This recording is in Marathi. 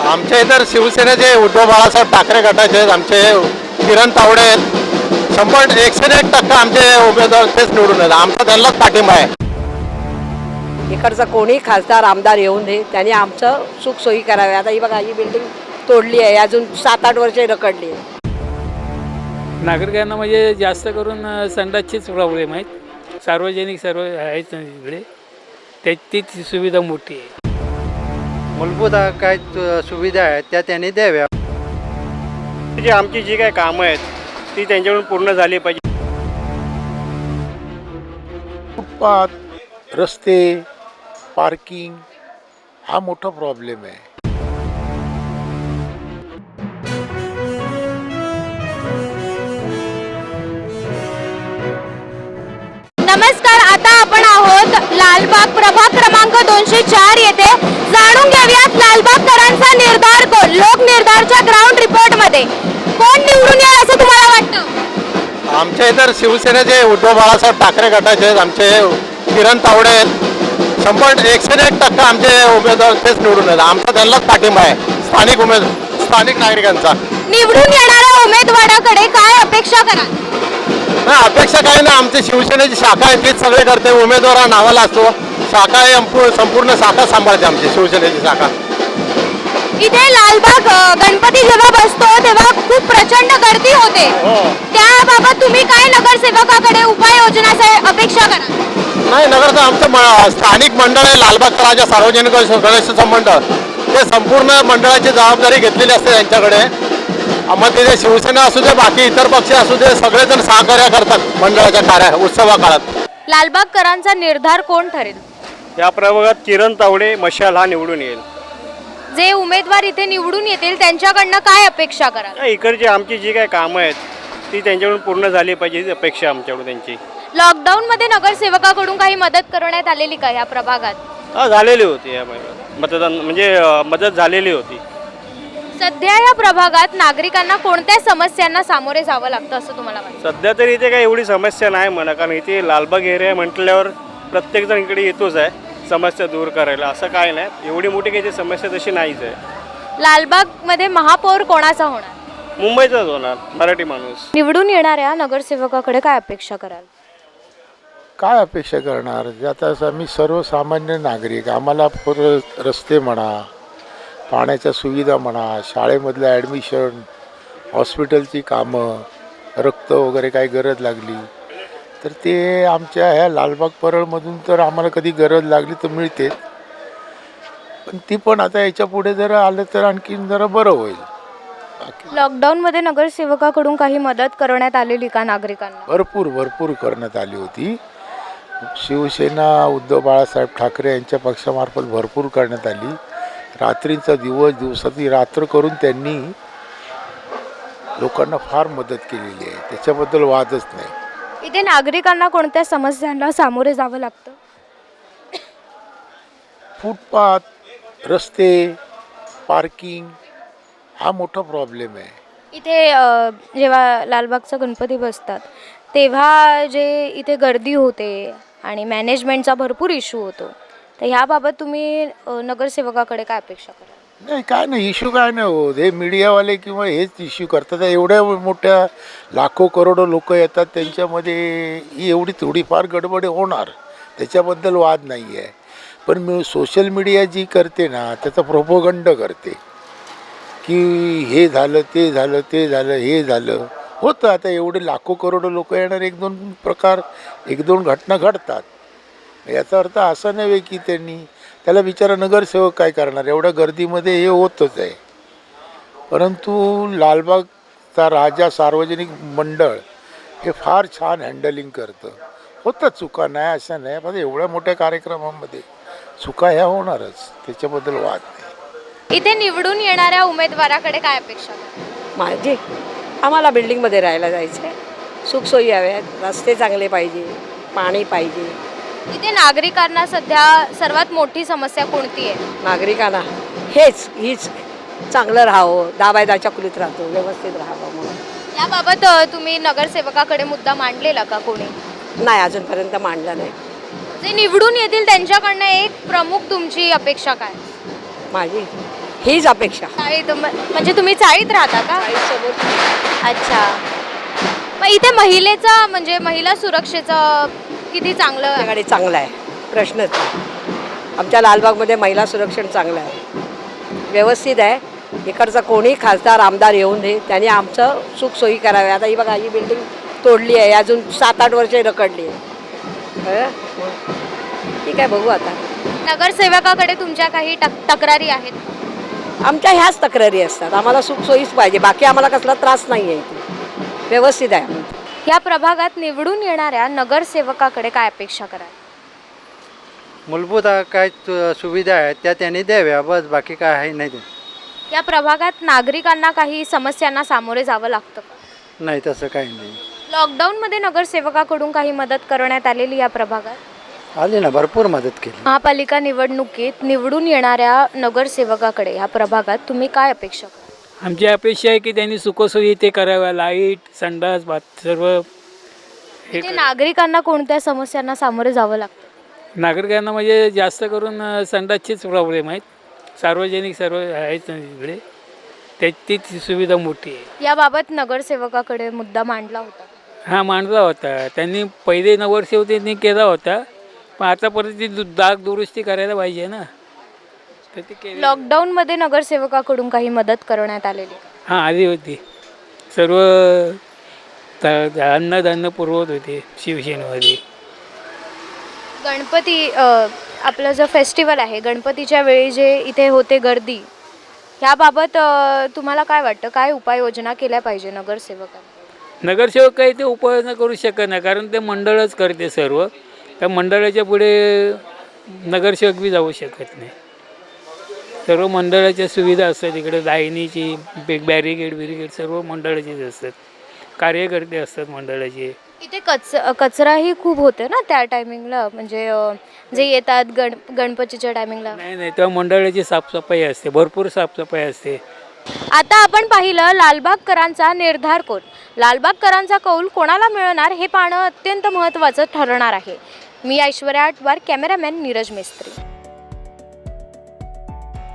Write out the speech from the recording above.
आमच्या इतर शिवसेनेचे उद्धव बाळासाहेब ठाकरे गटाचे आहेत, आमचे किरण तावडे आहेत. 101% आमचे उमेदवार तेच निवडून येतात. आमचा त्यांनाच पाठिंबा आहे. इकडचा कोणी खासदार आमदार येऊन दे, त्यांनी आमचं सुखसोयी करावी. आता ही बघा, ही बिल्डिंग तोडली आहे, अजून 7-8 वर्षे रखडली आहे. नागरिकांना म्हणजे जास्त करून संडासचीच प्रॉब्लेम आहेत. सार्वजनिक सर्व आहेत ना तिकडे, तीच सुविधा मोठी आहे. मूलभूत काय सुविधा आहेत त्या त्यांनी द्याव्या. आमची जी काही कामं आहेत ती त्यांच्याकडून पूर्ण झाली पाहिजे. फुटपाथ, रस्ते, पार्किंग हा मोठा प्रॉब्लेम आहे. नमस्कार, आता आपण आहोत लालबाग प्रभाग क्रमांक 204 येथे. जाणून घेऊयात लालबागकरांचा निर्धार कोण. लोक निर्धारच्या ग्राउंड रिपोर्ट मध्ये कोण निवडून येईल असं तुम्हाला वाटतं? आमच्या इतर शिवसेनेचे उद्धव बाळासाहेब ठाकरे गटाचे आहेत, आमचे किरण तावडे आहेत. 101% आमचे उमेदवार तेच निवडून येतात. आमचा त्यांनाच पाठिंबा आहे, स्थानिक नागरिकांचा. निवडून येणाऱ्या उमेदवाराकडे काय अपेक्षा कराल? नाही, अपेक्षा काही नाही. आमची शिवसेनेची शाखा आहे तीच सगळे करते. उमेदवार हा नावाला असतो. शाखा आहे, संपूर्ण शाखा सांभाळते आमची शिवसेनेची शाखा. इथे लालबाग गणपती जेव्हा बसतो तेव्हा खूप प्रचंड गर्दी होते. त्याबाबत तुम्ही काय नगरसेवकाकडे उपाययोजना अपेक्षा कराल? नाही, नगरचं आमचं स्थानिक मंडळ आहे, लालबाग तळाच्या सार्वजनिक गणेश मंडळ. ते संपूर्ण मंडळाची जबाबदारी घेतलेली असते त्यांच्याकडे. मग तिथे शिवसेना असू दे, बाकी इतर पक्ष असू दे, सगळेजण सहकार्य करतात मंडळाच्या उत्सवा काळात. लालबागकरांचा निर्धार कोण ठरेल? या प्रभागात किरण तावडे मशाल हा निवडून येईल. जे उमेदवार इथे निवडून येतील त्यांच्याकडनं काय अपेक्षा कराल? इकडची आमची जी काही कामं आहेत ती त्यांच्याकडून पूर्ण झाली पाहिजे ही अपेक्षा आमच्याकडून त्यांची. लॉकडाऊन मध्ये नगरसेवकाकडून काही मदत करण्यात आलेली का या प्रभागात? झालेली होती या मतदान, म्हणजे मदत झालेली होती. सध्या या प्रभागात नागरिकांना कोणत्या समस्यांना सामोरे जावं लागतं असं तुम्हाला वाटतं? सध्या तरी इथे काही एवढी समस्या नाही म्हणा, कारण इथे लालबाग एरिया म्हटल्यावर प्रत्येकजण इकडे येतोच आहे समस्या दूर करायला. असं काय नाही, एवढी मोठी काही समस्या तशी नाहीच आहे. लालबाग मध्ये महापौर कोणाचा होणार? मुंबईचाच होणार, मराठी माणूस. निवडून येणाऱ्या नगरसेवकाकडे काय अपेक्षा कराल? काय अपेक्षा करणार? आता आम्ही सर्वसामान्य नागरिक, आम्हाला रस्ते म्हणा, पाण्याच्या सुविधा म्हणा, शाळेमधलं ॲडमिशन, हॉस्पिटलची कामं, रक्त वगैरे काही गरज लागली तर ते आमच्या ह्या लालबाग परळमधून तर आम्हाला कधी गरज लागली तर मिळते. पण ती पण आता याच्या पुढे जर आलं तर आणखीन जरा बरं होईल. लॉकडाऊन मध्ये नगरसेवकाकडून काही मदत करण्यात आलेली का नागरिकांना? भरपूर करण्यात आली होती. शिवसेना उद्धव बाळासाहेब ठाकरे यांच्या पक्षामार्फत भरपूर करण्यात आली. रात्रीचा दिवसाची रात्र करून त्यांनी लोकांना फार मदत केलेली आहे, त्याच्याबद्दल वादच नाही. इथे नागरिकांना कोणत्या समस्यांना सामोरे जावं लागतं? फुटपाथ, रस्ते, पार्किंग हा मोठा प्रॉब्लेम आहे. इथे जेव्हा लालबागचा गणपती बसतात तेव्हा जे इथे गर्दी होते आणि मॅनेजमेंटचा भरपूर इश्यू होतो, तर ह्याबाबत तुम्ही नगरसेवकाकडे काय अपेक्षा कराल? नाही, काय नाही, इश्यू काय नाही होत. हे मीडियावाले किंवा हेच इश्यू करतात. एवढ्या मोठ्या लाखो करोडो लोक येतात, त्यांच्यामध्ये ही एवढी थोडीफार गडबड होणार, त्याच्याबद्दल वाद नाही आहे. पण मी सोशल मीडिया जी करते ना, त्याचा प्रोपोगंड करते की हे झालं, ते झालं, ते झालं, हे झालं होतं. आता एवढे लाखो करोडो लोक येणार, एक दोन घटना घडतात. याचा अर्थ असा नव्हे की त्याला बिचारा नगरसेवक काय करणार, एवढ्या गर्दीमध्ये हे होतच आहे. परंतु लालबागचा राजा सार्वजनिक मंडळ हे फार छान हँडलिंग करतं. होतं चुका, नाही असं नाही, पण एवढ्या मोठ्या कार्यक्रमामध्ये चुका ह्या होणारच, त्याच्याबद्दल वाद नाही. इथे निवडून येणाऱ्या उमेदवाराकडे काय अपेक्षा कराल? माझी आम्हाला बिल्डिंगमध्ये राहायला जायचं आहे, सुखसोयी हव्यात, रस्ते चांगले पाहिजे, पाणी पाहिजे. इथे नागरिकांना सध्या सर्वात मोठी समस्या कोणती आहे? नागरिकांना हीच चांगलं राहावं, दाबायदाच्या कुलीत राहतो, व्यवस्थित राहावं म्हणून. याबाबत तुम्ही नगरसेवकाकडे मुद्दा मांडलेला का कोणी? नाही, अजूनपर्यंत मांडलं नाही. जे निवडून येतील त्यांच्याकडनं एक प्रमुख तुमची अपेक्षा काय? माझी हीच अपेक्षा. चाळीत म्हणजे तुम्ही चाळीत राहता का? अच्छा. मग इथे महिलेचं म्हणजे महिला सुरक्षेचं किती चांगलं आहे? आमच्याकडे चांगलं आहे, प्रश्नच नाही. आमच्या लालबागमध्ये महिला सुरक्षण चांगलं आहे, व्यवस्थित आहे. इकडचा कोणी खासदार आमदार येऊन दे, त्यांनी आमचं सुखसोयी कराव्या. आता ही बघा, ही बिल्डिंग तोडली आहे, अजून 7-8 वर्षे रखडली आहे. ठीक आहे, बघू आता. नगरसेवकाकडे तुमच्या काही तक्रारी आहेत? आमच्या ह्याच तक्रारी असतात, आम्हाला सुखसोयीच पाहिजे, बाकी आम्हाला कसला त्रास नाही आहे. इथे व्यवस्थित आहे. या प्रभागात निवडून येणाऱ्या नगरसेवकाकडे काय अपेक्षा कराल? मूलभूत काय सुविधा आहेत त्या त्यांनी द्याव्या, बस बाकी काय आहे नाही. या प्रभागात नागरिकांना काही समस्यांना सामोरे जावं लागतं का? नाही तसं काही नाही. लॉकडाऊनमध्ये नगरसेवकाकडून काही मदत करण्यात आलेली या प्रभागात? आली ना, भरपूर मदत केली. महापालिका निवडणुकीत निवडून येणाऱ्या नगरसेवकाकडे या प्रभागात तुम्ही काय अपेक्षा कराल? आमची अपेक्षा आहे की त्यांनी सुखसोयी ते कराव्या, लाईट, संडास, बाथ सर्व. हे इथे नागरिकांना कोणत्या समस्यांना सामोरे जावं लागतं? नागरिकांना म्हणजे जास्त करून संडासचेच प्रॉब्लेम आहेत. सार्वजनिक सर्व आहेत ना तिकडे, तीच सुविधा मोठी आहे. याबाबत नगरसेवकाकडे मुद्दा मांडला होता? हा, मांडला होता त्यांनी. पहिले नगरसेवक त्यांनी केला होता, पण आता परत ती डाग दुरुस्ती करायला पाहिजे ना, तर ते केली. लॉकडाऊनमध्ये नगरसेवकाकडून काही मदत करण्यात आलेली? हां, आली होती. सर्व अन्नधान्य पुरवत होते शिवसेनेमध्ये. गणपती आपलं जो फेस्टिवल आहे, गणपतीच्या वेळी जे इथे होते गर्दी, ह्याबाबत तुम्हाला काय वाटतं, काय उपाययोजना केल्या पाहिजे नगरसेवकांनी? नगरसेवक काही ते उपाययोजना करू शकत नाही, कारण ते मंडळच करते सर्व. त्या मंडळाच्या पुढे नगरसेवक बी जाऊ शकत नाही. सर्व मंडळाच्या सुविधा असतात इकडे, लाईनीची बॅरिकेड सर्व मंडळाचीच असतात. कार्यकर्ते असतात मंडळाचे. इथे कचराही खूप होते ना त्या टायमिंगला, म्हणजे जे येतात गणपतीच्या टायमिंगला? नाही, तेव्हा मंडळाची साफसफाई असते, भरपूर साफसफाई असते. आता आपण पाहिलं लालबागकरांचा निर्धार कोण. लालबागकरांचा कौल कोणाला मिळणार हे पाहणं अत्यंत महत्त्वाचं ठरणार आहे. मी ऐश्वर्या आटवार, कॅमेरामॅन नीरज मिस्त्री.